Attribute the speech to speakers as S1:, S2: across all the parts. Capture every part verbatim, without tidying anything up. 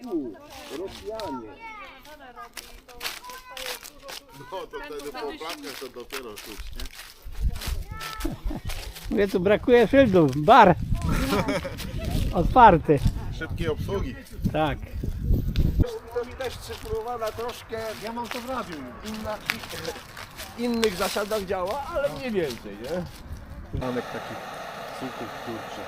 S1: Fu, Rosjanie.
S2: No to wtedy po oplakach to dopiero czuć, nie?
S3: Mówię, tu brakuje szyldów. Bar otwarty.
S2: Szybkiej obsługi.
S3: Tak.
S1: To mi też cyfrowana troszkę, ja mam to w radiu, inna, innych zasadach działa, ale mniej więcej, nie? Manek takich suchych, kurczę.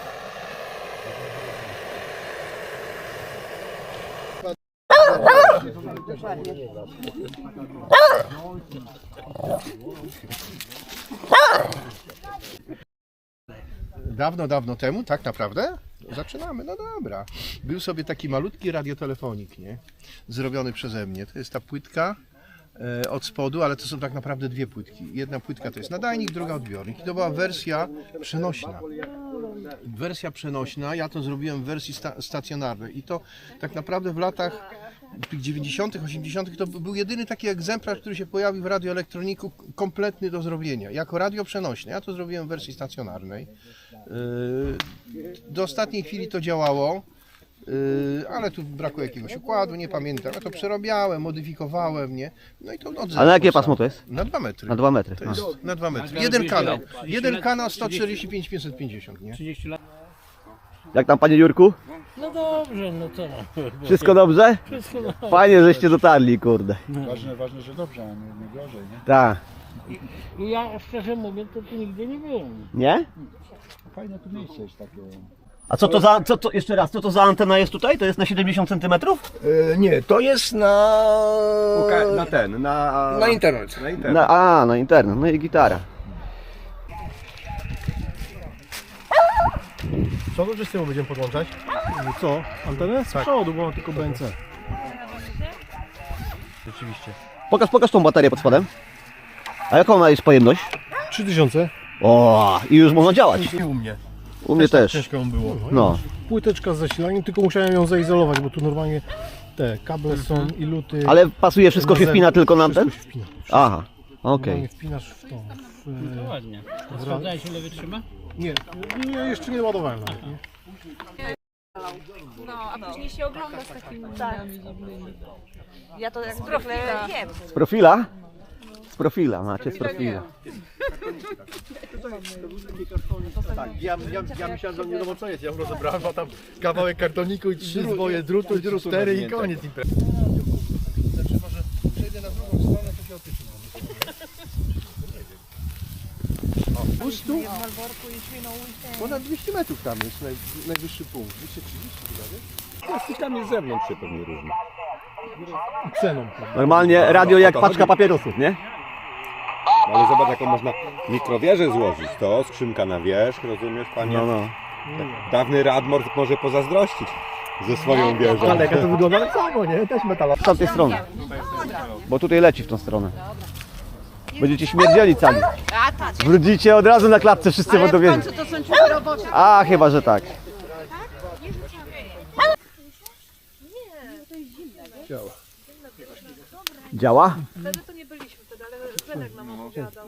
S4: Dawno, dawno temu, tak naprawdę? Zaczynamy, no dobra. Był sobie taki malutki radiotelefonik, nie? Zrobiony przeze mnie. To jest ta płytka e, od spodu, ale to są tak naprawdę dwie płytki. Jedna płytka to jest nadajnik, druga odbiornik. I to była wersja przenośna. Wersja przenośna, ja to zrobiłem w wersji sta stacjonarnej. I to tak naprawdę w latach tych dziewięćdziesiątych, osiemdziesiątych to był jedyny taki egzemplarz, który się pojawił w radioelektroniku, kompletny do zrobienia, jako radio przenośne. Ja to zrobiłem w wersji stacjonarnej. Do ostatniej chwili to działało, ale tu brakło jakiegoś układu, nie pamiętam. Ja to przerabiałem, modyfikowałem, nie? No i to od
S5: A na jakie pasmo to jest?
S4: Na dwa metry.
S5: Na dwa metry.
S4: To jest na dwa metry. Jeden kanał. Jeden kanał sto czterdzieści pięć pięćset pięćdziesiąt, nie?
S3: trzydzieści lat.
S5: Jak tam, panie Jurku?
S3: No dobrze, no co?
S5: Wszystko dobrze?
S3: Wszystko dobrze.
S5: Fajnie, żeście dotarli, kurde.
S2: Ważne, ważne, że dobrze, a nie, nie gorzej, nie?
S5: Tak.
S3: I ja szczerze mówiąc, to tu nigdy nie byłem.
S5: Nie?
S2: Fajne tu miejsce jest takie.
S5: A co to za, co to, jeszcze raz, co to za antena jest tutaj? To jest na siedemdziesiąt centymetrów?
S1: E, nie, to jest na...
S6: Na ten, na...
S1: na internet.
S6: Na internet.
S5: Na, a, na internet, no i gitara.
S4: Co to, że z tyłu będziemy podłączać?
S3: Co? Antenę? Z przodu, bo mam tylko B N C.
S4: Rzeczywiście.
S5: Pokaż, pokaż tą baterię pod spodem. A jaką ona jest pojemność?
S4: trzy tysiące.
S5: O, i już można działać.
S4: I u mnie.
S5: U mnie też.
S4: Ciężko było.
S5: No.
S7: Płyteczka z zasilaniem, tylko musiałem ją zaizolować, bo tu normalnie te kable są i luty.
S5: Ale pasuje, wszystko się wpina tylko na ten?
S7: Wszystko się wpina.
S5: Aha, okej.
S7: Normalnie wpinasz w tą. W,
S3: No ładnie. Sprawdzałeś, ile wytrzyma?
S7: nie, nie, jeszcze nie ładowałem nawet, nie?
S8: No, a później się ogląda z takimi minami dziwnymi. Ja to jak zwykle wiem.
S5: Z profila? Z profila, macie z profila.
S4: Tak, ja, ja, ja myślałem, że nie wiadomo co jest. Ja już rozebrałem, a tam kawałek kartoniku i trzy zwoje drutu, i cztery i koniec imprezy. Znaczy może przejdę na drugą stronę, to się otyczy. O, puść tu? Ponad dwieście metrów tam jest naj, najwyższy punkt. dwieście trzydzieści chyba, nie?
S6: Plastikami z zewnątrz się pewnie różni.
S7: Ceną.
S5: Normalnie radio jak paczka papierosów, nie?
S6: Ale zobacz, jaką można mikrowieżę złożyć. To skrzynka na wierzch, rozumiesz, panie?
S5: No, no.
S6: Dawny Radmor może pozazdrościć ze swoją wieżą.
S4: Ale jak to wygląda tak samo, nie? Też metalowa.
S5: Z tamtej strony. Bo tutaj leci w tą stronę. Będziecie śmierdzieli cali. Wrócicie od razu na klatce, wszyscy będą wiedzieć.
S8: To są ciuchy robocze.
S5: A, chyba, że tak.
S4: Działa.
S5: Działa?
S8: Wtedy to nie byliśmy wtedy, ale Zenek nam opowiadał.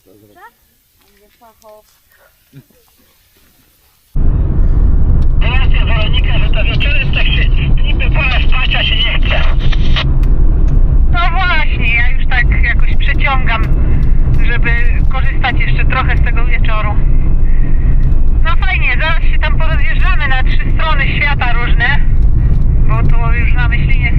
S9: Relacja Weronika, że to wieczorem tak się niby pora spać, a się nie chce. No właśnie, ja już tak jakoś przeciągam, żeby korzystać jeszcze trochę z tego wieczoru. No fajnie, zaraz się tam porozjeżdżamy na trzy strony świata różne, bo tu już na Myślinie